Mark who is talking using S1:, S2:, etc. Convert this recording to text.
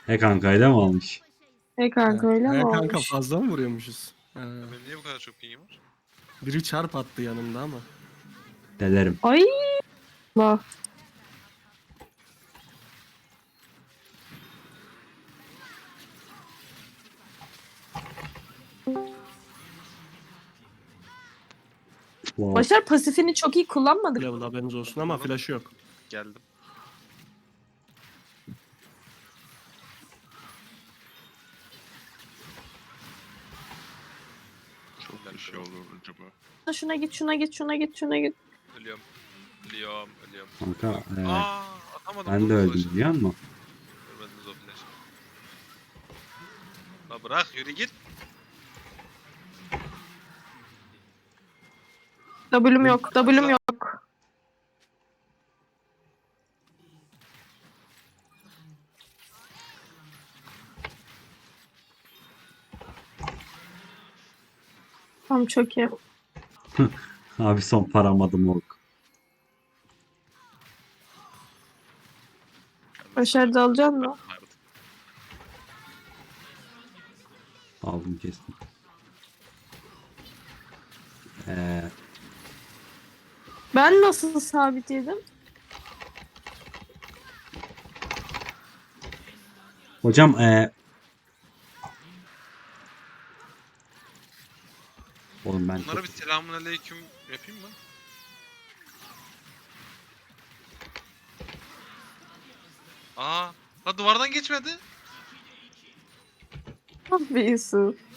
S1: He kanka öyle mi olmuş?
S2: Kanka öyle mi
S3: Kanka
S2: olmuş?
S3: fazla mı vuruyormuşuz?
S4: Benim niye bu kadar çok pingim var?
S3: Biri çarp attı yanımda ama.
S1: Delerim.
S2: Ay Allah.
S1: Wow.
S2: Başar pasifini çok iyi kullanmadık.
S3: Level haberiniz olsun ama flash yok.
S4: Geldim.
S5: Çok bir şey olur acaba.
S2: Şuna git, şuna git, şuna git, şuna git.
S4: Ölüyorum. Ölüyorum. Ölüyorum.
S1: Kanka
S4: Atamadım.
S1: ben de öldüm biliyor musun?
S4: Görmediniz o flash'ı. La bırak yürü git.
S2: W'm yok, W'm yok. Tamam çok iyi.
S1: Abi son paramadım ok.
S2: Başar da alacaksın mı?
S1: Aldım kestim.
S2: Ben nasıl sabit yedim?
S1: Hocam oğlum ben
S4: Bunlara bir selamünaleyküm yapayım mı? La duvardan geçmedi.
S2: Ah be Yusuf.